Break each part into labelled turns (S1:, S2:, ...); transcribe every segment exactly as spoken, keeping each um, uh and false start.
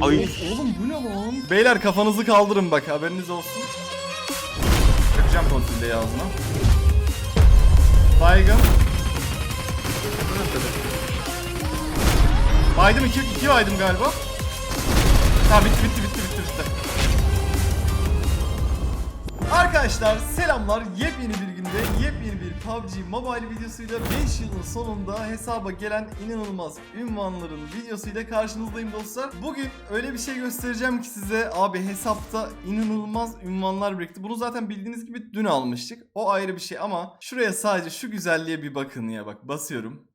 S1: Ay.
S2: Oğlum bu ne lan? Beyler kafanızı kaldırın bak, haberiniz olsun. Yapacağım kontrolü ağzına. Baygın. Baydım iki, iki baydım galiba. Tamam bitti bitti bitti bitti bitti. Arkadaşlar selamlar. Yepyeni bir günde yepyeni bir P U B G Mobile videosuyla beş yılın sonunda hesaba gelen inanılmaz ünvanların videosuyla karşınızdayım dostlar. Bugün öyle bir şey göstereceğim ki size, abi hesapta inanılmaz ünvanlar birikti. Bunu zaten bildiğiniz gibi dün almıştık. O ayrı bir şey ama şuraya sadece şu güzelliğe bir bakın ya, bak basıyorum.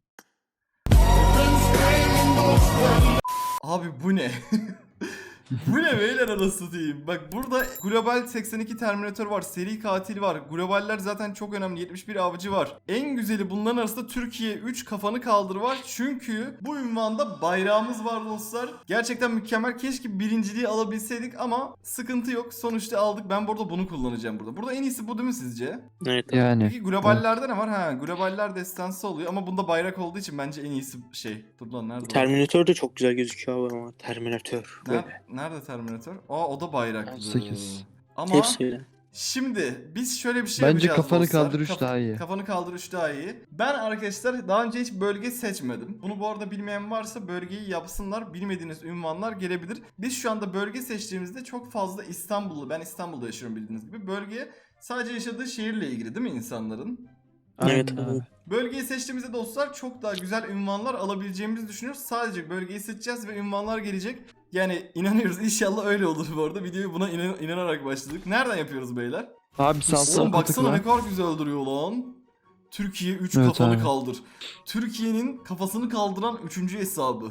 S2: Abi bu ne? Bu ne beyler, arası diyeyim. Bak burada global seksen iki Terminator var, seri katil var. Globaller zaten çok önemli, yetmiş bir avcı var. En güzeli bunların arasında Türkiye üç kafanı kaldır var. Çünkü bu ünvanda bayrağımız var dostlar. Gerçekten mükemmel. Keşke birinciliği alabilseydik ama sıkıntı yok. Sonuçta aldık. Ben burada bunu kullanacağım burada. Burada en iyisi bu değil mi sizce?
S1: Evet.
S3: Yani.
S2: Peki globallerde ne var? Ha, globaller destansı oluyor ama bunda bayrak olduğu için bence en iyisi şey. Dur lan nerede? o?
S1: Terminator da çok güzel gözüküyor abi ama Terminator.
S2: Ner-
S1: Böyle.
S2: Nerede Terminator? Aa o da bayraklı.
S3: on sekiz.
S2: Ama
S1: Hepsi.
S2: şimdi biz şöyle bir şey
S3: Bence
S2: yapacağız
S3: kafanı
S2: dostlar.
S3: kaldır üç
S2: Kaf-
S3: daha iyi.
S2: Kafanı kaldır üç daha iyi. Ben arkadaşlar daha önce hiç bölge seçmedim. Bunu bu arada bilmeyen varsa bölgeyi yapsınlar. Bilmediğiniz ünvanlar gelebilir. Biz şu anda bölge seçtiğimizde çok fazla İstanbullu, ben İstanbul'da yaşıyorum bildiğiniz gibi. Bölge sadece yaşadığı şehirle ilgili değil mi insanların?
S1: Evet
S3: Aynen
S1: abi.
S3: abi.
S2: Bölgeyi seçtiğimizde dostlar çok daha güzel ünvanlar alabileceğimizi düşünüyoruz. Sadece bölgeyi seçeceğiz ve ünvanlar gelecek. Yani inanıyoruz, inşallah öyle olur bu arada. Videoyu buna inan- inanarak başladık. Nereden yapıyoruz beyler?
S3: Abi sağ sol
S2: Oğlum baksana
S3: tıkla.
S2: ne kadar güzel öldürüyor lan. Türkiye üç
S3: Evet
S2: kafanı
S3: abi.
S2: kaldır. Türkiye'nin kafasını kaldıran üçüncü hesabı.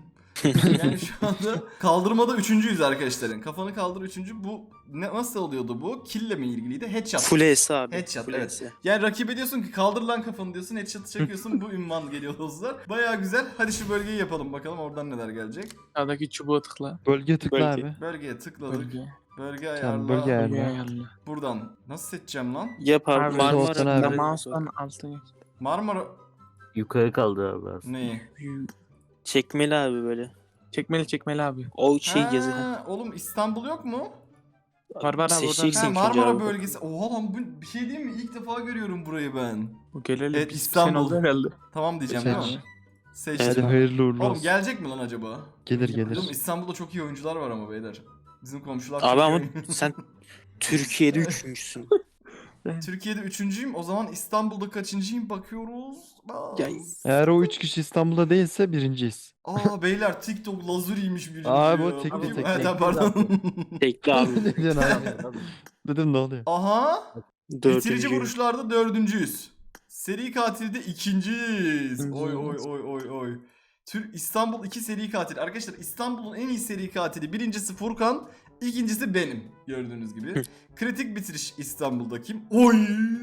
S2: Yani şu anda kaldırmada üçüncüyüz arkadaşların. Kafanı kaldır üçüncü. Bu ne, nasıl oluyordu bu? Kille mi ilgiliydi? Headshot.
S1: Full S abi.
S2: Headshot,
S1: Full
S2: evet.
S1: S.
S2: Yani rakibe diyorsun ki kaldır lan kafanı diyorsun, headshot'ı çekiyorsun, bu ünvan geliyor dostlar. Baya güzel. Hadi şu bölgeyi yapalım bakalım oradan neler gelecek.
S4: Sağdaki çubuğa tıkla.
S3: Bölge tıkla
S1: Bölge.
S3: abi.
S2: Bölgeye tıkladık. Bölge,
S4: Bölge.
S2: ayarla.
S3: Tamam, bölge ayarla.
S4: Bölge ayarla.
S2: Buradan nasıl seçeceğim lan?
S1: Yap abi.
S4: Abi,
S1: Marmara.
S3: soldan abi.
S1: Karadeniz
S4: Mouse'dan
S1: olsun.
S4: altına geç.
S2: Marmara
S5: Yukarı kaldı abi aslında.
S2: neyi?
S1: Çekmeli abi böyle.
S4: Çekmeli çekmeli abi.
S1: O şey
S2: Ha,
S1: yazı.
S2: oğlum İstanbul yok mu?
S4: Var var abi
S1: Seçeceksin
S2: Ha,
S1: ikinci
S2: Marmara
S1: abi.
S2: bölgesi. Oha lan bu bir şey değil mi? İlk defa görüyorum burayı ben.
S4: Bu geleli
S2: Evet,
S4: bir
S2: İstanbul.
S4: sene oldu herhalde.
S2: Tamam diyeceğim
S3: Seç.
S2: değil mi? Seçtim.
S3: Hadi hayırlı uğurlu
S2: Oğlum
S3: olsun.
S2: gelecek mi lan acaba?
S3: Gelir gelir.
S2: Oğlum İstanbul'da çok iyi oyuncular var ama beyler. Bizim komşular
S1: Abi
S2: çok
S1: ama
S2: iyi.
S1: sen Türkiye'de üçüncüsün.
S2: Türkiye'de üçüncüyüm. O zaman İstanbul'da kaçıncıyım bakıyoruz. Bas.
S1: Ya-
S3: Eğer o üç kişi İstanbul'da değilse birinciyiz.
S2: Aa beyler TikTok lazuriymiş birinci
S3: Abi o
S2: ya.
S3: tekli,
S2: Bakayım.
S3: tekli.
S2: Evet, ha, pardon.
S1: Tekli abi.
S3: Ne diyorsun abi? Dedim ne oluyor?
S2: Aha. Bitirici
S1: Dördüncü.
S2: vuruşlarda dördüncüyüz. Seri katilde ikinciyiz.
S4: İkinci.
S2: Oy oy oy oy oy. Tür İstanbul iki seri katil. Arkadaşlar İstanbul'un en iyi seri katili. Birincisi Furkan, ikincisi benim. Gördüğünüz gibi. Kritik bitiriş İstanbul'daki. Oy.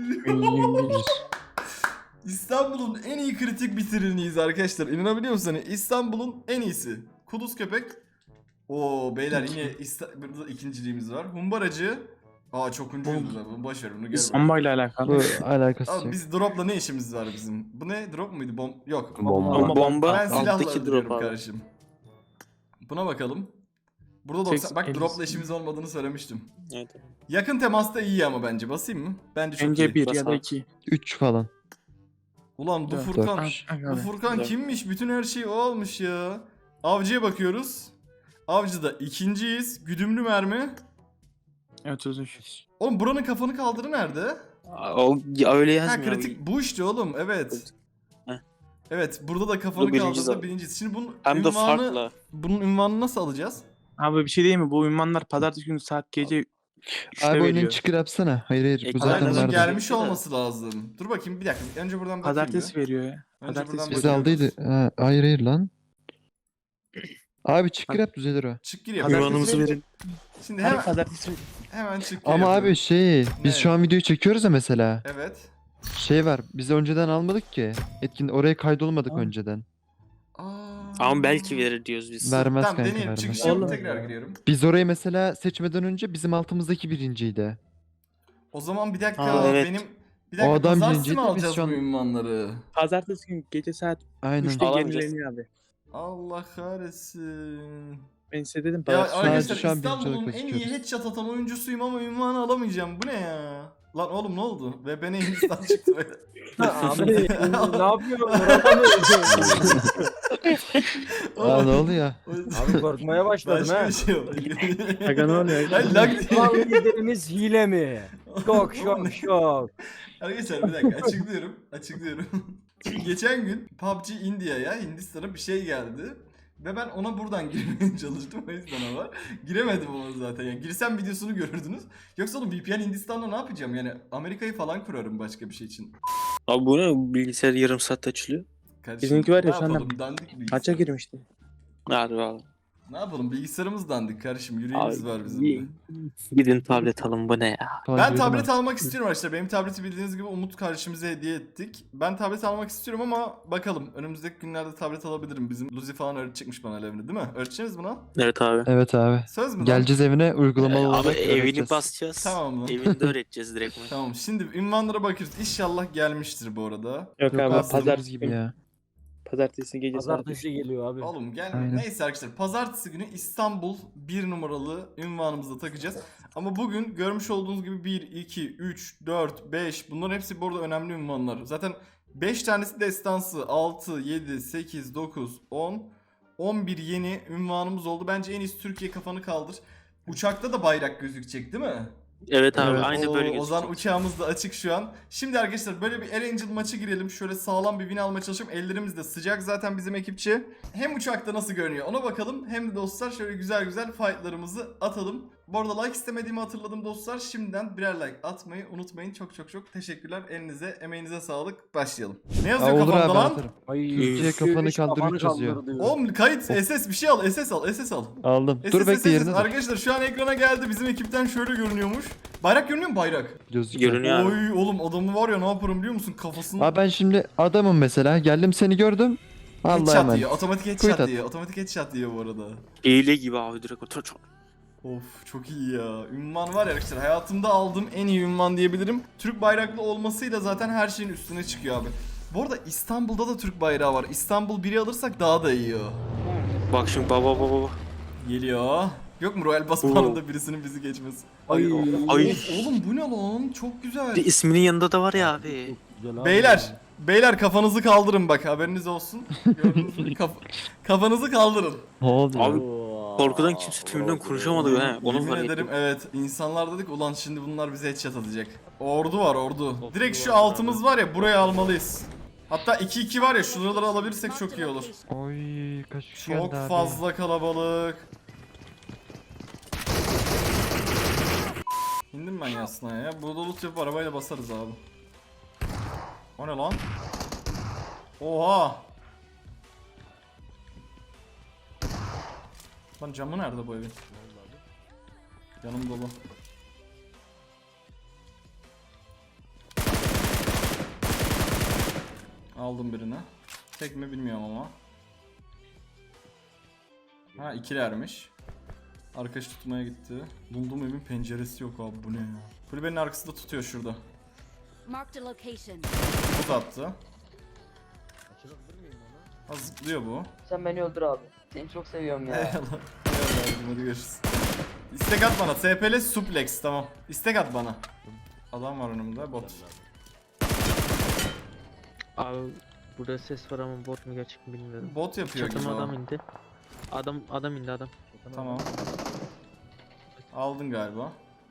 S2: İstanbul'un en iyi kritik bitiriniyiz arkadaşlar. İnanabiliyor musunuz? Hani İstanbul'un en iyisi. Kuduz köpek. Oo beyler yine İsta- burada ikinciliğimiz var. Humbaracı. Aa çok uncuyuz da. Boş ver bunu gör. bak.
S4: Bombayla alakalı.
S3: Bu alakası
S2: Abi
S3: yok.
S2: biz dropla ne işimiz var bizim? Bu ne? Drop muydu? Bom yok.
S5: Bomba.
S1: Bomba
S2: Ben silahla
S1: alttaki
S2: öldürüyorum
S1: drop abi.
S2: kardeşim. Buna bakalım. Burada
S4: Tek-
S2: doksan bak
S4: elli-
S2: dropla işimiz olmadığını söylemiştim.
S1: Evet.
S2: Yakın temasta iyi ama bence. Basayım mı? Bence çok iyi.
S4: Bence bir ya da
S1: Bas abi.
S4: iki.
S3: üç falan.
S2: Ulan bu
S4: Dört.
S2: Furkan.
S3: Dört.
S4: Abi,
S2: Bu
S4: abi.
S2: Furkan
S1: Dört.
S2: kimmiş? Bütün her şey o almış ya. Avcıya bakıyoruz. Avcıda ikinciyiz. Güdümlü mermi.
S4: Evet otuz üç.
S2: Oğlum buranın kafanı kaldırı nerede?
S1: O ya öyle
S2: Ha
S1: yazmıyor
S2: kritik
S1: abi.
S2: bu işte oğlum. Evet.
S1: Heh.
S2: Evet burada da kafanı
S1: Bu birinci
S2: kaldırdı
S1: zaten.
S2: birincisi. Şimdi bunun
S1: Hem de
S2: ünvanı,
S1: farklı.
S2: bunun ünvanını nasıl alacağız?
S4: Abi bir şey değil mi? Bu ünvanlar pazartesi günü saat gece üçte
S3: Abi oyunun
S4: veriyor.
S3: çıkır yapsana. Hayır hayır. Bu
S1: Ekran
S3: zaten
S2: Pazartesi
S1: nerede?
S3: vardı.
S2: gelmiş olması lazım. Dur bakayım bir dakika. Önce buradan bakayım.
S4: Pazartesi
S2: bir.
S4: veriyor ya.
S2: Önce
S4: Pazartesi
S2: buradan
S3: Biz
S2: bakıyoruz.
S3: aldıydı. Ha, hayır hayır lan. Abi çıkır yap düzelir o.
S2: Çık gir yap.
S4: Pazartesi
S1: Yuvanımızı
S4: veriyor.
S1: verin.
S2: Şimdi
S4: Abi
S2: hemen,
S4: pazartesi
S2: hemen çık gir
S3: Ama
S2: yapıyorum.
S3: abi şey biz
S2: Ne?
S3: şu an videoyu çekiyoruz ya mesela.
S2: Evet.
S3: Şey var. Biz önceden almadık ki. Etkin oraya kaydolmadık
S4: Tamam.
S3: önceden.
S2: Aa.
S1: Ama belki verir diyoruz biz.
S3: Vermez
S2: Tamam
S3: kanka
S2: deneyelim.
S3: vermez.
S2: Çıkış yapıp
S4: Oğlum.
S2: tekrar giriyorum.
S3: Biz orayı mesela seçmeden önce bizim altımızdaki birinciydi.
S2: O zaman bir dakika
S1: Aa, evet.
S2: benim bir dakika
S3: O adam
S2: pazartesi
S3: birinciydi,
S2: mi
S3: biz
S2: alacağız
S3: şu an-
S2: bu ünvanları?
S4: pazartesi günü gece saat
S3: Aynen.
S4: üçte
S1: Alamayacağız.
S4: yenileniyor abi.
S2: Allah kahretsin.
S4: Ben size dedim.
S2: Ya
S4: pazartesi-
S3: Sadece
S2: arkadaşlar
S3: şu an birinci
S2: İstanbul'un
S3: olarak
S2: en iyi
S3: gözüküyoruz.
S2: headshot atan oyuncusuyum ama ünvanı alamayacağım. Bu ne ya? Lan oğlum ne oldu? Ve bana Hindistan çıktı böyle.
S6: Abi ne yapıyorsun? Orada mı?
S3: Aa ne oluyor?
S6: Abi korkmaya başladım
S2: Başka
S6: ha.
S2: bir şey oldu.
S4: Aga ne oluyor?
S2: Hayır lag değil.
S6: Lan liderimiz hile mi? Şok şok şok.
S2: Arkadaşlar bir dakika açıklıyorum. Açıklıyorum. Şimdi geçen gün P U B G India'ya Hindistan'a bir şey geldi. Ve ben ona buradan girmeye çalıştım o yüzden ama giremedim ama zaten yani girsem videosunu görürdünüz. Yoksa oğlum V P N Hindistan'da ne yapacağım yani Amerika'yı falan kurarım başka bir şey için.
S1: Abi bu ne? Bilgisayar yarım saatte açılıyor.
S2: Kardeşim,
S4: Bizimki var ya
S2: ne
S4: şu anda
S2: yapalım, dandik bilgisayar.
S4: Maça girmişti.
S1: Hadi abi.
S2: Ne yapalım bilgisayarımız dandik kardeşim yüreğimiz
S1: Abi,
S2: var bizim de.
S1: Gidin tablet alın bu ne ya?
S2: Ben
S3: Takip
S2: tablet
S3: edemem.
S2: almak istiyorum arkadaşlar. Benim tableti bildiğiniz gibi Umut kardeşimize hediye ettik. Ben tablet almak istiyorum ama bakalım. Önümüzdeki günlerde tablet alabilirim. Bizim Luzi falan öğretecekmiş bana Levni değil mi? Öğreteceğiz mi lan?
S1: Evet abi.
S3: Evet abi.
S2: Söz mü lan?
S3: Geleceğiz evine uygulamalı
S1: Ee,
S3: olarak
S1: abi evini
S3: öğreteceğiz.
S1: basacağız.
S2: Tamam lan.
S1: Evini de öğreteceğiz direkt.
S2: Tamam şimdi ünvanlara bakıyoruz. İnşallah gelmiştir bu arada.
S4: Yok,
S3: Yok
S4: abi
S3: abi
S2: pazar-
S4: pazartesi
S3: gibi ya.
S4: Pazartesi gece saat.
S6: Pazartesi geliyor abi.
S2: Oğlum gel.
S3: Aynen.
S2: Neyse arkadaşlar pazartesi günü İstanbul bir numaralı ünvanımızı takacağız. Ama bugün görmüş olduğunuz gibi bir, iki, üç, dört, beş bunların hepsi bu arada önemli ünvanlar. Zaten beş tanesi destansı, altı, yedi, sekiz, dokuz, on, on bir yeni ünvanımız oldu. Bence en iyisi Türkiye kafanı kaldır. Uçakta da bayrak gözükecek değil mi?
S1: Evet abi
S3: Evet.
S1: aynı
S2: Oo,
S1: böyle
S2: O
S1: gözükecek.
S2: zaman uçağımız da açık şu an. Şimdi arkadaşlar böyle bir Erangel maçı girelim. Şöyle sağlam bir win almaya çalışalım. Ellerimiz de sıcak zaten bizim ekipçi. Hem uçakta nasıl görünüyor ona bakalım. Hem de dostlar şöyle güzel güzel fightlarımızı atalım. Bu arada like istemediğimi hatırladım dostlar. Şimdiden birer like atmayı unutmayın. Çok çok çok teşekkürler. Elinize emeğinize sağlık. Başlayalım. Ne
S3: Aa,
S2: yazıyor
S3: olur
S2: kafanda
S3: abi
S2: lan?
S3: atarım.
S6: Ay,
S3: Türkiye kafanı
S6: üç
S3: kaldır, üç yazıyor.
S6: kaldır diyor.
S2: Oğlum kayıt S S bir şey al. S S al. S S al.
S3: Aldım.
S2: S S,
S3: Dur
S2: S
S3: bekle
S2: S.
S3: yerine dur.
S2: Arkadaşlar şu an ekrana geldi. Bizim ekipten şöyle görünüyormuş. Bayrak görünüyor mu bayrak?
S3: Gözüküyor.
S1: Görünüyor abi.
S2: Oy oğlum adamı var ya ne yaparım biliyor musun? Kafasını
S3: Abi ben şimdi adamım mesela. Geldim seni gördüm. Allah'a
S2: headshot
S3: emanet.
S2: diyor. Otomatik
S3: Quit
S2: headshot
S3: at.
S2: diyor. Otomatik headshot diyor bu arada.
S1: Hile gibi abi direkt otur. otur.
S2: Of çok iyi ya. Ünvan var ya arkadaşlar. Hayatımda aldığım en iyi ünvan diyebilirim. Türk bayraklı olmasıyla zaten her şeyin üstüne çıkıyor abi. Bu arada İstanbul'da da Türk bayrağı var. İstanbul biri alırsak daha da iyi o.
S1: Bak şimdi baba baba baba.
S2: Geliyor. Yok mu Royal Basman'da birisinin bizi geçmesi?
S1: Ay.
S2: Of,
S1: Ay.
S2: oğlum bu ne lan? Çok güzel.
S1: Bir isminin yanında da var ya abi.
S6: Güzel abi.
S2: Beyler, beyler kafanızı kaldırın bak haberiniz olsun. Gördünüz mü? Kaf- kafanızı kaldırın.
S3: Ne oldu ya?
S1: Abi
S6: Oo.
S1: korkudan kimse tümünden konuşamadı ha. Onu
S2: Yemin
S1: fark
S2: ederim
S1: ettim.
S2: evet. İnsanlar dedik ulan şimdi bunlar bize headshot atacak. Ordu var ordu. Direkt şu altımız var ya buraya almalıyız. Hatta iki iki var ya şuraları alabilirsek çok iyi olur.
S3: Oy kaç kişi
S2: Çok
S3: geldi abi.
S2: fazla kalabalık. İndim ben yasına ya. Burada loot yapıp arabayla basarız abi. O ne lan? Oha! Lan camı nerede bu evin? Yanım dolu. Aldım birini. Tek mi bilmiyorum ama. Ha ikilermiş. Arkadaş tutmaya gitti. Bulduğum evin penceresi yok abi bu ne ya. Kulübenin arkasında tutuyor şurada.
S7: Marked a location.
S2: Buz attı. Ha zıplıyor bu.
S8: Sen beni öldür abi. Seni çok seviyorum ya.
S2: Eyvallah. Eyvallah hadi görüşürüz. İstek at bana. S P L suplex tamam. İstek at bana. Adam var önümde bot.
S9: Abi burada ses var ama bot mu gerçek mi bilmiyorum.
S2: Bot yapıyor gibi
S9: Çatıma
S2: o.
S9: adam indi. Adam adam indi adam.
S2: Tamam. Aldın galiba.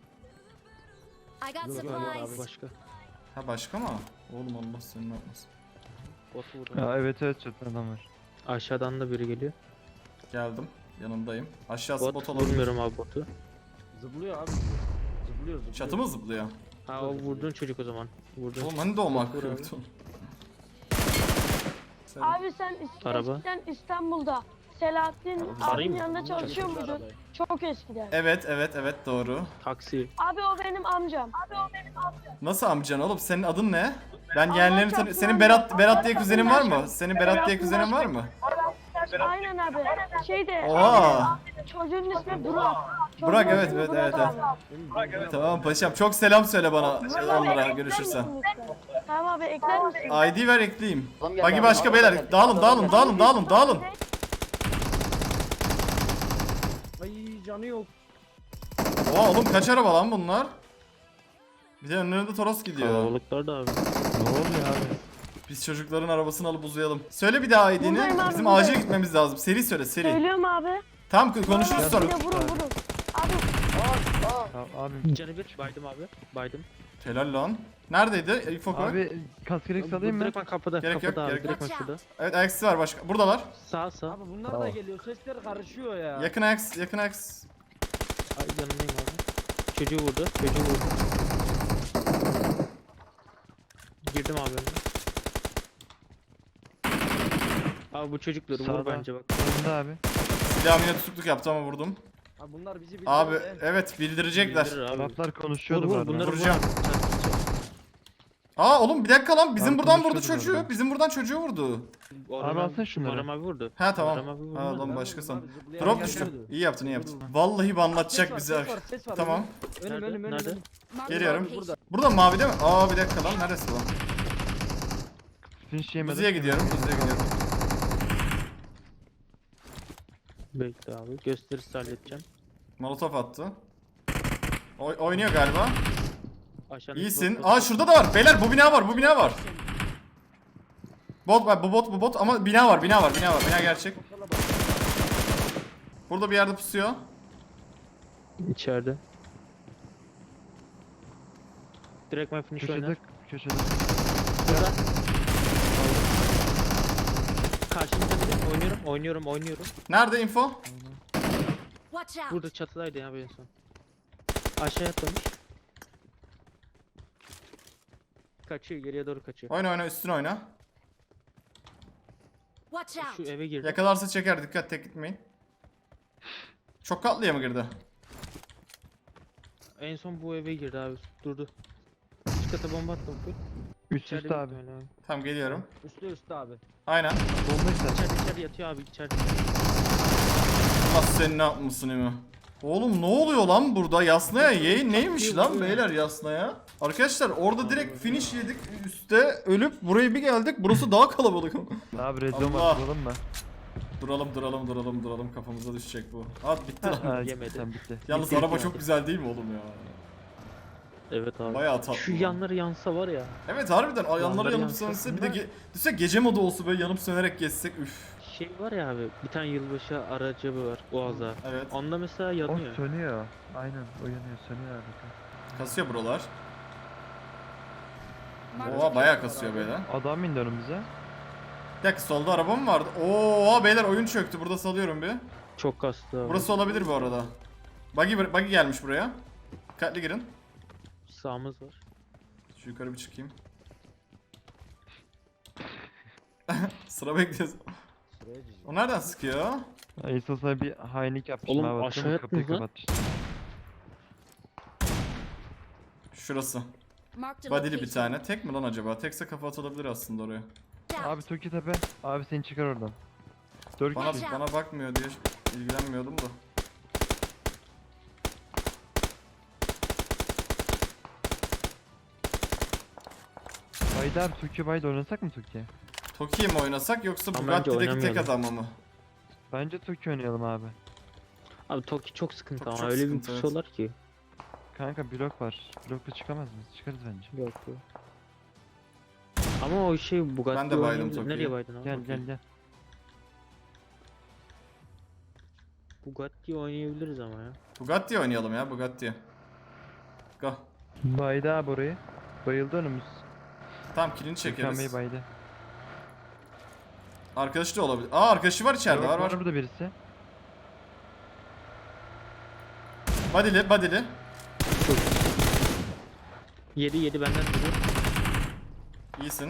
S7: I got
S6: Yok, yok,
S9: Abi
S7: supplies.
S9: başka.
S2: Ha başka mı? Oğlum Allah seni ne yapmasın.
S9: Bot vurdu.
S3: Ya evet evet çatıda adam var.
S9: Aşağıdan da biri geliyor.
S2: Geldim. Yanındayım. Aşağısı bot,
S9: Bot
S2: olabilir.
S9: vurmuyorum abi botu.
S6: Zıplıyor abi. Zıplıyor zıplıyor.
S2: Çatı mı zıplıyor?
S9: Ha o vurduğun çocuk o zaman. Vurduğun.
S2: Oğlum hani doğmak
S9: Vur abi.
S2: yoktu.
S10: Abi sen
S9: Araba.
S10: eskiden İstanbul'da Selahattin
S9: Arayayım
S10: abinin
S9: mı?
S10: yanında çalışıyor muydun? Çok eskiden.
S2: Evet evet evet doğru.
S9: Taksi.
S10: Abi o benim amcam. Abi o benim amcam.
S2: Nasıl amcan oğlum? Senin adın ne? Ben
S10: Allah
S2: yeğenlerini tanı-
S10: çarpsın
S2: Senin
S10: amca.
S2: Berat Berat diye
S10: Allah
S2: kuzenin var mı?
S10: çarpsın.
S2: Senin Berat diye kuzenin var mı?
S10: Aynen abi. Şeyde
S2: Oha!
S10: çocuğun ismi Burak. Çocuğun
S2: Burak, evet,
S10: ismi
S2: evet,
S10: Burak
S2: evet,
S10: abi.
S2: Tamam paşam. Çok selam söyle bana
S10: Abi,
S2: onlara
S10: ekler
S2: görüşürsen.
S10: misin lütfen? Tamam abi ekler misin?
S2: I D ver ekleyeyim.
S8: Adam geldi
S2: Bagi
S8: abi,
S2: başka
S8: adam
S2: beyler.
S8: geldi.
S2: Dağılın
S8: Adam
S2: dağılın
S8: geldi.
S2: dağılın dağılın dağılın.
S6: canı yok.
S2: Oha oğlum kaç araba lan bunlar? Bir de önlerinde Toros gidiyor.
S9: Kalabalıklar da abi.
S3: Ne oluyor abi?
S2: Biz çocukların arabasını alıp uzayalım. Söyle bir daha I D'ni.
S10: Buradayım abi,
S2: Bizim
S10: buradayım.
S2: acil gitmemiz lazım. Seri söyle seri.
S10: Söylüyorum abi.
S2: Tamam konuşuruz
S10: Bir
S2: sonra.
S10: de vurun vurun. Abi
S3: Ya, abi,
S9: Canı bir. Baydım abi. Baydım.
S2: Helal lan. Neredeydi? İfo koy.
S3: abi kask gerek salayım
S9: Bu
S3: mı?
S9: direkt ben kapıda.
S2: Gerek yok,
S9: kapıda abi.
S2: gerek
S9: Direkt ben
S7: yok.
S9: şurada.
S2: Evet ayakkabısı var başka. Buradalar.
S9: Sağ sağ.
S6: Abi bunlar da
S3: Tamam.
S6: geliyor. Sesler karışıyor ya.
S2: Yakın ayak, yakın ayak.
S9: Ay yanındayım abi. Çocuğu vurdu. Çocuğu vurdu. Girdim abi önüne. Abi bu çocukları vur
S3: Sağda.
S9: bence bak.
S3: Önünde abi.
S2: Silahımı yine tutukluk yaptı ama vurdum.
S6: Abi bunlar bizi bildi.
S2: Abi evet bildirecekler.
S9: Bildirir abi.
S3: Taraflar
S9: Vur
S3: konuşuyordu bu
S9: vur
S3: arada.
S9: bunları vur.
S2: Vuracağım. Aa oğlum bir dakika lan bizim
S3: Abi
S2: buradan vurdu
S3: konuşuyordu
S2: çocuğu.
S3: orada.
S2: Bizim buradan çocuğu vurdu.
S3: Abi alsana şunları.
S9: Muharrem abi vurdu.
S2: Ha tamam.
S9: Muharrem abi vurdu.
S2: Ha
S6: Ben
S2: lan başka
S6: vurdum
S2: san.
S6: abi, zıplayan
S2: Drop
S6: gel
S2: düştü.
S6: geldi.
S2: İyi yaptın iyi yaptın. Vallahi banlatacak
S6: Ses
S2: bizi.
S6: var, ses var, ses var.
S2: Tamam.
S6: Önüm
S9: Nerede?
S6: önüm önüm.
S9: Nerede?
S6: önüm.
S7: Marked
S2: Geliyorum.
S7: location.
S6: Burada.
S2: Burada mavi değil mi? Aa bir dakika lan neresi lan?
S3: Finish yemedim.
S2: Buzi'ye gidiyorum. Buzi'ye gidiyorum.
S9: Bekle abi. Gösterisi halledeceğim.
S2: Molotof attı. Oy oynuyor galiba.
S9: Aşağıdaki
S2: İyisin.
S9: bot- bot-
S2: Aa şurada da var. Beyler bu bina var. Bu bina var. Bot var. Bu bot bu bot ama bina var. Bina var. Bina var. Bina gerçek. Burada bir yerde pusuyor.
S9: İçeride. Direkt my finish
S3: Köşede,
S9: oynar.
S3: köşede.
S9: Burada. Karşımda biri. Oynuyorum, oynuyorum, oynuyorum.
S2: Nerede info?
S7: Watch out.
S9: Burada çatıdaydı ya en son. Aşağıya atlamış. Kaçıyor, geriye doğru kaçıyor.
S2: Oyna oyna üstüne oyna.
S7: Watch
S9: Şu
S7: out.
S9: eve girdi.
S2: Yakalarsa çeker. Dikkat tek gitmeyin. Çok katlıya mı girdi?
S9: En son bu eve girdi abi. Durdu. Üst kata bomba attım. full.
S3: Üst
S9: İçeride
S3: üste abi.
S9: büyük ihtimalle abi.
S2: Tamam geliyorum.
S6: Üstte üstte abi.
S2: Aynen.
S3: Bomba işte.
S9: İçeride içeride yatıyor abi içeride.
S2: Allah sen ne yapmışsın Emi? Oğlum ne oluyor lan burada? Yasnaya ye neymiş lan beyler Yasnaya? Arkadaşlar orada direkt finish yedik üstte ölüp buraya bir geldik. Burası daha kalabalık.
S3: Abi red zone
S2: Allah.
S3: atlayalım mı?
S2: duralım duralım duralım duralım kafamıza düşecek bu. At bitti lan.
S3: Ha,
S9: Yemedi.
S3: Sen bitti.
S2: Yalnız araba çok güzel değil mi oğlum ya?
S9: Evet abi.
S2: Bayağı tatlı.
S9: Şu
S2: lan.
S9: yanları yansa var ya.
S2: Evet harbiden ay, yanları
S9: Yanları
S2: yanıp
S9: yansın.
S2: sönse bir de ge düşünsene gece modu olsa böyle yanıp sönerek geçsek üf.
S9: Şey var ya abi. Bir tane yılbaşı aracı var. Oğaz'a.
S2: Evet
S9: Onda mesela
S3: O
S9: yanıyor.
S3: sönüyor. Aynen o yanıyor sönüyor abi.
S2: kasıyor buralar.
S7: Marked
S2: Oha bayağı kasıyor beyler.
S3: Adam indi önümüze.
S2: Bir dakika solda araba mı vardı? Oo beyler oyun çöktü burada salıyorum bir.
S9: Çok kastı abi.
S2: Burası olabilir bu arada. Buggy, buggy gelmiş buraya. Dikkatli girin.
S9: Sağımız var.
S2: Şu yukarı bir çıkayım. Sıra bekliyoruz.
S6: Sıraya cici.
S2: O nereden sıkıyor?
S3: Esas'a bir hainlik yapmışım
S9: Oğlum,
S3: abi.
S9: aşağıya
S3: Kapıyı
S9: attınız lan.
S3: kapatmıştım.
S2: Şurası.
S7: Marked a
S2: Body'li bir
S7: location.
S2: tane. Tek mi lan acaba? Tekse kafa atılabilir aslında oraya.
S7: Watch out.
S3: Abi Toki Tepe. Abi seni çıkar oradan. Dört
S2: Bana
S3: kişi.
S2: bana bakmıyor diye ilgilenmiyordum da.
S3: Bayda abi Toki Bayda oynasak mı Toki?
S2: Toki'yi mi oynasak yoksa
S9: Ama bence
S2: Bugatti'deki tek
S9: oynamayalım.
S2: adamı mı?
S3: Bence Toki oynayalım abi.
S9: Abi Toki çok sıkıntı
S2: Çok-
S9: ama
S2: çok
S9: öyle
S2: sıkıntı,
S9: bir
S2: evet.
S9: pusuyorlar ki.
S3: Kanka blok var. Blokla çıkamaz mıyız? Çıkarız bence.
S9: Yok yok. Ama o şey Bugatti
S2: Ben de baydım
S9: oynayabilir.
S2: Toki'ye.
S9: Nereye baydın abi?
S3: Gel gel gel.
S9: Bugatti oynayabiliriz ama ya.
S2: Bugatti oynayalım ya Bugatti. Go.
S3: Bayda abi orayı. Bayıldı önümüz.
S2: Tamam kilini
S3: Çekeriz.
S2: çekeriz.
S3: Bayda.
S2: Arkadaşı da olabilir. Aa arkadaşı var içeride
S3: Yok,
S2: var var.
S3: burada birisi.
S2: Body'li body'li.
S9: Yedi yedi benden duruyor.
S2: İyisin.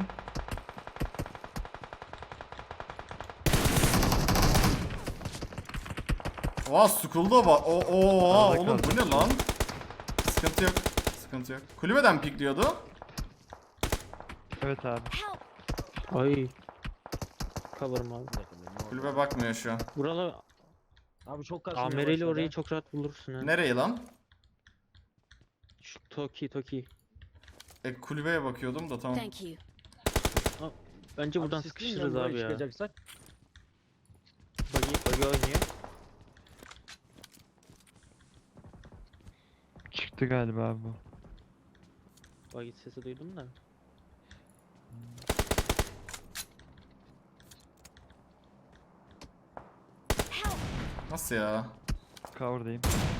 S2: Oha Skull'da var. O oha
S3: Arada
S2: oğlum bu
S3: kaldı.
S2: ne lan? Sıkıntı yok. Sıkıntı yok. Kulübeden pikliyordu.
S3: Evet abi.
S7: Help.
S9: Ay. Cover'ım abi.
S2: Kulübe bakmıyor şu an.
S9: Buralar
S6: Abi çok kasıyor.
S9: Amereli orayı çok rahat bulursun ha.
S2: Nereyi lan?
S9: Şu Toki Toki.
S2: E kulübeye bakıyordum da tamam.
S7: Thank you.
S9: Bence buradan sıkışırız abi ya.
S6: Çıkacaksak.
S9: Bagi bagi oynuyor.
S3: Çıktı galiba abi bu.
S9: Bagit sesi duydum da.
S2: Nasıl ya?
S3: Cover'dayım.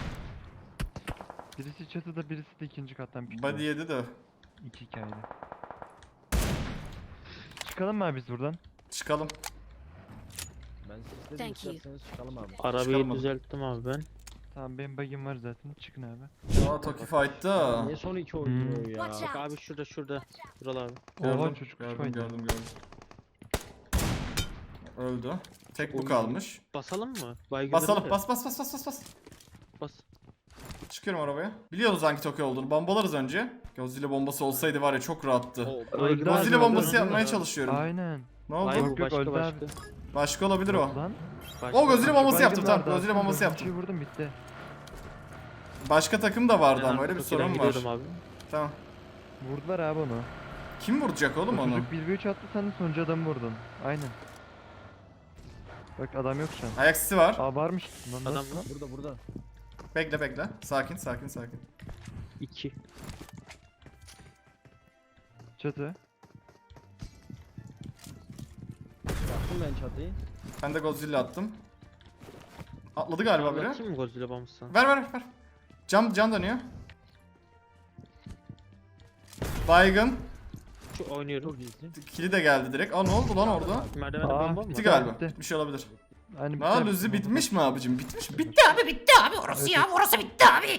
S3: Birisi çatıda, birisi de ikinci kattan pikti.
S2: Body yedi de.
S3: İki hikayede. Çıkalım mı abi biz buradan?
S2: Çıkalım.
S6: Ben sizle
S7: Thank you.
S6: isterseniz çıkalım abi.
S9: Arabayı
S2: Çıkalım hadi.
S9: düzelttim abi ben.
S3: Tamam benim bug'im var zaten. Çıkın abi.
S2: Aa Toki fight'ta.
S6: Niye son iki oynuyor ya?
S7: Watch
S9: Bak
S7: out.
S9: abi şurada şurada. Buralar abi.
S3: Oha
S2: Gördüm,
S3: çocuk
S2: gördüm,
S3: uçmaydı.
S2: gördüm, gördüm. Öldü. Tek bu
S9: Oyun-
S2: kalmış.
S9: Basalım mı? Baygınları
S2: Basalım.
S9: var ya.
S2: Bas bas bas bas bas bas.
S9: Bas.
S2: Çıkıyorum arabaya. Biliyoruz hangi Toki olduğunu. Bombalarız önce. Godzilla bombası olsaydı var ya çok rahattı.
S9: O,
S3: Öldü abi,
S2: Godzilla
S3: öldü,
S2: bombası
S3: öldü.
S2: yapmaya çalışıyorum.
S3: Aynen.
S2: Ne oldu?
S9: Hayır bu
S3: Yok, yok,
S9: başka
S3: öldü
S9: başka.
S3: abi.
S2: Başka olabilir o.
S3: Lan.
S9: Başka.
S2: O Godzilla bombası
S3: Baygın
S2: yaptım tamam.
S3: vardı,
S2: Godzilla
S3: attım,
S2: bombası
S3: dördüncüyü
S2: yaptım.
S3: vurdum bitti.
S2: Başka takım da vardı
S9: Ben
S2: ama öyle bir
S9: Tokyo'dan
S2: sorun var.
S9: gidiyordum Abi.
S2: Tamam.
S3: Vurdular abi onu.
S2: Kim vuracak oğlum
S3: O
S2: onu?
S3: çocuk bir ve üç attı, sen de sonuncu adamı vurdun. Aynen. Bak adam yok şu an.
S2: Ayak sesi var.
S3: Aa varmış. Lan
S9: Adam
S3: nasıl
S9: mı?
S3: lan?
S6: Burada burada.
S2: Bekle bekle. Sakin sakin sakin.
S9: iki.
S3: Çatı.
S6: Yaptım ben çatıyı.
S2: Ben de Godzilla attım. Atladı galiba biri.
S9: Atayım mı Godzilla bombası?
S2: Ver ver ver. Cam cam dönüyor. Baygın.
S9: Şu oynuyorum.
S6: Çok iyisin.
S2: Kili de geldi direkt. Aa ne oldu lan orada?
S9: Merdivende
S3: Aa,
S9: bomba mı
S2: Bitti
S9: var?
S2: galiba.
S3: bitti.
S2: Bitmiş olabilir.
S3: Hani
S2: Aa Luzi bitmiş mi abicim? Bitmiş mi? Bitti abi bitti abi. Orası ya orası bitti abi.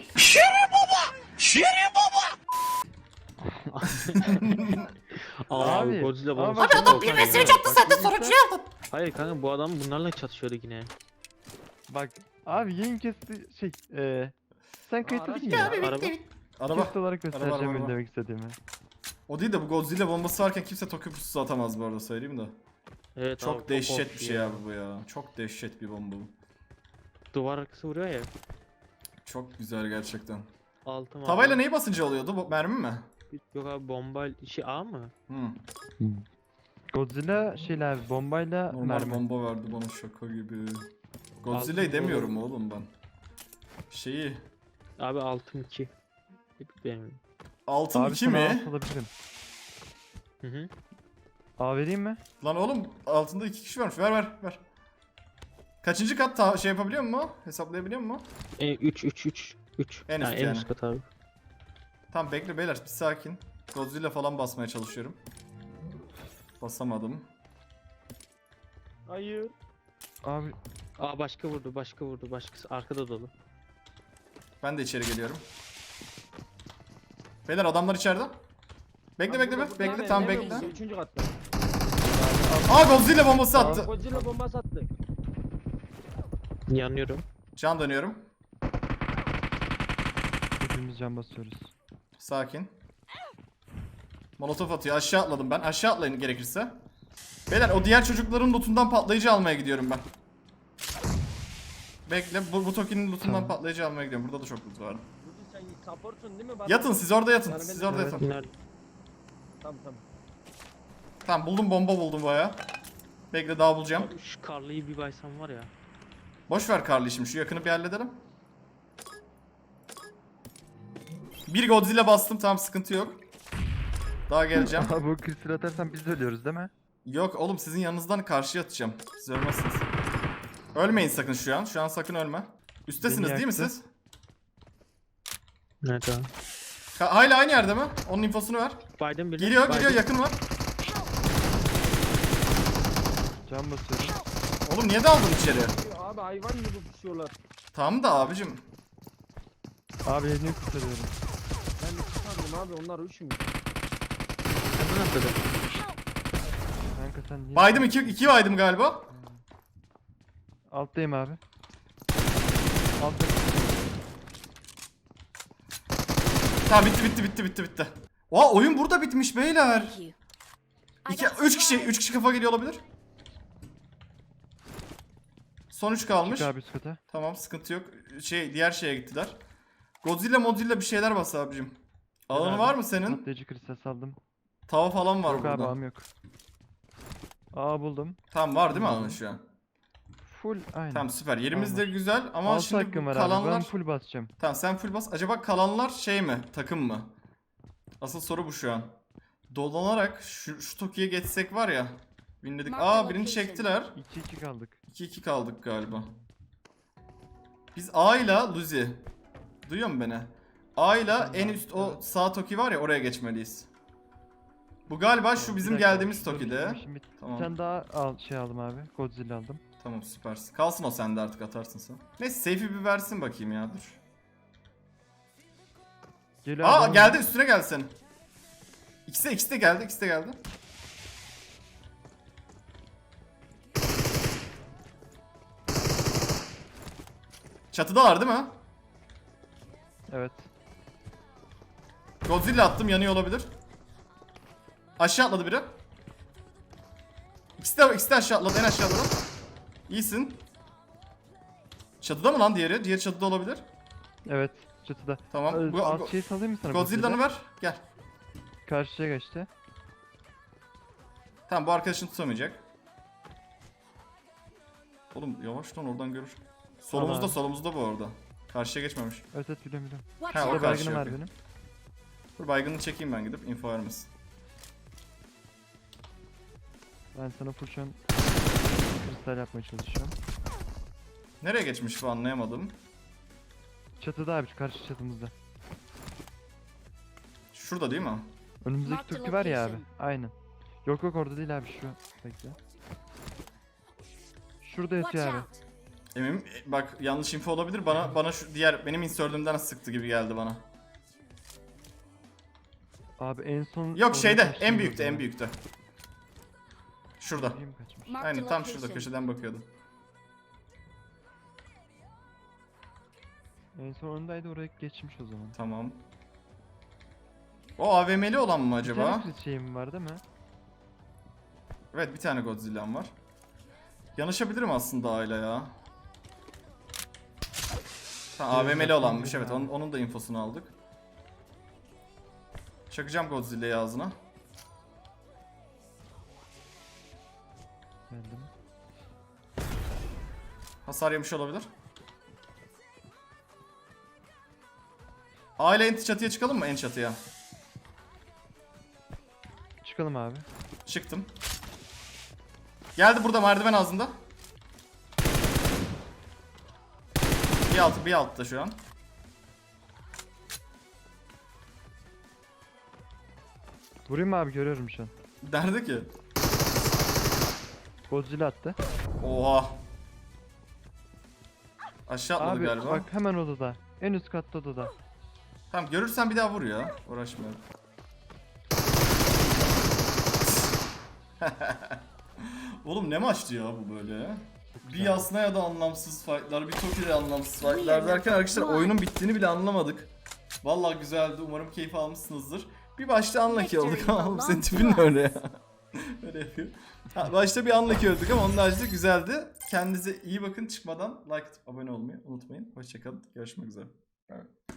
S9: Aa,
S3: Abi,
S9: abi Godzilla
S3: abi
S9: bombası.
S3: bak-
S9: çok
S3: Abi adam bir
S9: korkunç
S3: mesaj
S9: ya.
S3: attı zaten, sonuncuyu
S2: aldın.
S9: Hayır kanka bu adam bunlarla çatışıyordu yine.
S3: Bak abi yayın kesti şey eee sen kayıtlı
S6: araç
S3: değil
S6: ya.
S3: mi?
S9: Araba.
S2: Araba.
S3: Kesit olarak göstereceğim
S2: araba,
S3: öyle
S2: araba.
S3: demek istediğimi.
S2: O değil de bu Godzilla bombası varken kimse Tokyo pususu atamaz bu arada söyleyeyim de.
S9: Evet
S2: Çok
S9: abi,
S2: dehşet bir
S9: korkunç
S2: şey
S9: ya.
S2: abi bu ya. Çok dehşet bir bomba bu.
S9: Duvar arkası vuruyor ya.
S2: Çok güzel gerçekten.
S9: Altım abi.
S2: Tavayla neyi basınca oluyordu? Bu mermi mi?
S9: Yok abi bomba şey A mı?
S2: Hmm.
S3: Godzilla şeyle abi bombayla
S2: Normal
S3: mermi.
S2: bomba verdi bana şaka gibi. Godzilla'yı
S9: Altın
S2: demiyorum oğlum ben. Şeyi.
S9: Abi altım iki. Benim.
S2: Altın
S3: Abi
S2: iki
S3: sana
S2: mi?
S3: alt alabilirim.
S9: Hı hı.
S3: A vereyim mi?
S2: Lan oğlum altında iki kişi varmış. Ver ver ver. Kaçıncı kat ta- şey yapabiliyor mu? Hesaplayabiliyor mu?
S9: E, üç üç üç üç.
S2: En üst
S9: en
S2: yani.
S9: üst kat abi.
S2: Tamam bekle beyler bir sakin. Godzilla falan basmaya çalışıyorum. Basamadım.
S9: Hayır.
S3: Abi
S9: Aa başka vurdu başka vurdu başkası arkada dolu.
S2: Ben de içeri geliyorum. Beyler adamlar içeride. Bekle bekle bekle. Bekle tamam bekle.
S6: Üçüncü katta.
S2: Aa Godzilla bombası attı.
S6: Godzilla bombası attı.
S9: Yanıyorum.
S2: Can dönüyorum.
S3: hepimiz can basıyoruz.
S2: Sakin. Molotof atıyor. Aşağı atladım ben. Aşağı atlayın gerekirse. Beyler o diğer çocukların lootundan patlayıcı almaya gidiyorum ben. Bekle bu, bu Toki'nin lootundan
S3: Tamam.
S2: patlayıcı almaya gidiyorum. Burada da çok loot var.
S6: Burada sen supportsun değil mi? Bana-
S2: Yatın siz orada yatın.
S6: Yani ben-
S2: Siz orada
S3: Evet.
S2: yatın.
S9: Nerede?
S6: Tamam tamam.
S2: Tamam buldum bomba buldum baya. Bekle daha bulacağım.
S9: Abi şu karlıyı bir baysam var ya.
S2: Boş ver Carly şimdi şu yakını bir halledelim. Bir Godzilla bastım tamam sıkıntı yok. Daha geleceğim.
S3: Abi bu kristal atarsan biz de ölüyoruz değil mi?
S2: Yok oğlum sizin yanınızdan karşıya atacağım. Siz ölmezsiniz. Ölmeyin sakın şu an. Şu an sakın ölme. Üstesiniz
S3: Beni
S2: değil mi
S3: yaktı.
S2: siz?
S9: Nerede abi?
S2: Ka- hala aynı yerde mi? Onun infosunu ver.
S9: Biden bile.
S2: Geliyor
S9: Biden.
S2: geliyor yakın var.
S3: Can basıyorum.
S2: Oğlum niye daldın içeri?
S6: Abi hayvan gibi pusuyorlar.
S2: Tamam da abicim.
S3: Abi elini kurtarıyorum.
S6: Ben de tutardım abi onlar üç mü?
S9: Kadın atladı.
S3: Kanka sen niye?
S2: Baydım iki, iki baydım galiba.
S3: Alttayım abi. Altta.
S2: Tamam bitti bitti bitti bitti bitti. Oha oyun burada bitmiş beyler.
S7: Thank you. I
S2: İki,
S7: got
S2: üç kişi,
S7: supplies.
S2: üç kişi kafa geliyor olabilir. Son üç kalmış.
S3: Çık abi üst kata.
S2: Tamam sıkıntı yok. Şey diğer şeye gittiler. Godzilla Modzilla bir şeyler bas abicim. Alanı
S3: abi.
S2: var mı senin?
S3: Patlayıcı kristal saldım.
S2: Tava falan var
S3: Yok abi
S2: burada.
S3: ağım yok. Aa buldum.
S2: Tamam var değil mi alanı şu an?
S3: full aynı.
S2: Tamam süper. Yerimiz de
S3: Tamam.
S2: güzel ama
S3: Altı
S2: şimdi
S3: hakkım
S2: bu
S3: var abi. Ben
S2: kalanlar...
S3: full basacağım.
S2: Tamam sen full bas. Acaba kalanlar şey mi? Takım mı? Asıl soru bu şu an. Dolanarak şu, şu Toki'ye geçsek var ya. Winledik. Aa birini çektiler.
S3: iki iki kaldık.
S2: iki iki kaldık galiba. Biz A ile Luzi. Duyuyor musun beni? A ile en üst o sağ Toki var ya, oraya geçmeliyiz. Bu galiba şu
S3: Bir
S2: bizim
S3: dakika,
S2: geldiğimiz
S3: dur,
S2: Toki'de.
S3: şimdi- şimdi
S2: Tamam.
S3: Bir tane daha al, şey aldım abi. Godzilla aldım.
S2: Tamam süpersin. Kalsın o sende, artık atarsın sen. Neyse safe'i bir versin bakayım ya, dur.
S3: Geliyor
S2: Aa
S3: abi.
S2: geldi, üstüne gelsin. İkisi de, ikisi de geldi, ikisi de geldi. Çatıdalar değil mi?
S3: Evet.
S2: Godzilla attım, yanıyor olabilir. Aşağı atladı biri. İkisi de, ikisi de aşağı atladı, en aşağı atladı. İyisin. Çatıda mı lan diğeri? Diğeri çatıda olabilir.
S3: Evet. Çatıda.
S2: Tamam. Bu,
S3: Alt
S2: Go-
S3: şey salayım mı sana?
S2: Godzilla'nı ver. Gel.
S3: Karşıya geçti.
S2: Tamam bu arkadaşını tutamayacak. Oğlum yavaş lan, oradan görür. Solumuzda,
S3: Tamam.
S2: solumuzda bu arada. Karşıya geçmemiş.
S3: Evet evet biliyorum biliyorum.
S7: Watch
S2: Ha, o
S7: out!
S3: Burada
S2: karşı
S3: baygınım var
S2: yapıyor.
S3: benim.
S2: Dur baygını çekeyim ben, gidip info vermesin.
S3: Ben sana full şu an kristal yapmaya çalışıyorum.
S2: Nereye geçmiş bu, anlayamadım.
S3: Çatıda abi, şu karşı çatımızda.
S2: Şurada değil mi?
S3: Önümüzdeki
S7: Mark the
S3: Türk'ü var ya abi.
S7: location.
S3: Aynen. Yok yok orada değil abi, şu. Bekle. Şurada
S7: Watch
S3: yatıyor abi.
S7: out!
S2: Eminim e, bak yanlış info olabilir, bana bana şu diğer benim insert'ümden sıktı gibi geldi bana.
S3: Abi en son...
S2: Yok
S3: oraya
S2: şeyde,
S3: kaçtım
S2: en büyükte,
S3: gördüm
S2: en
S3: ya.
S2: büyükte. Şurada.
S3: Oraya mı kaçmış?
S7: Mark the
S2: Aynen tam şurada
S7: location.
S2: köşeden bakıyordum.
S3: En son öndeydi, oraya geçmiş o zaman.
S2: Tamam. O A V M'li olan mı
S3: Bir
S2: acaba?
S3: tane kız şeyim var değil mi?
S2: Evet bir tane Godzilla'm var. Yanaşabilirim aslında Ayla ya. Ha, A V M'li olanmış, evet onun, onun da infosunu aldık. Çakacağım Godzilla'yı ağzına.
S3: Geldim.
S2: Hasar yemiş olabilir. Aile en çatıya çıkalım mı, en çatıya?
S3: Çıkalım abi.
S2: Çıktım. Geldi burada merdiven ağzında. Bir altı, bir altta şu an.
S3: Vurayım mı abi, görüyorum şu an.
S2: Nerede ki?
S3: Godzilla attı.
S2: Oha. Aşağı atladı
S3: Abi
S2: galiba.
S3: bak hemen odada. En üst katta odada.
S2: Tamam görürsen bir daha vur ya. Uğraşmayalım. Oğlum ne maçtı ya bu böyle? Bir Yasnaya da anlamsız fightlar, bir Toki'de anlamsız fightlar derken arkadaşlar oyunun bittiğini bile anlamadık. Vallahi güzeldi. Umarım keyif almışsınızdır. Bir başta unlucky olduk ama oğlum senin tipin ne öyle ya? Öyle yapıyor. Ha, başta bir unlucky öldük ama onun haricinde güzeldi. Kendinize iyi bakın, çıkmadan like atıp abone olmayı unutmayın. Hoşçakalın. Görüşmek üzere. Evet.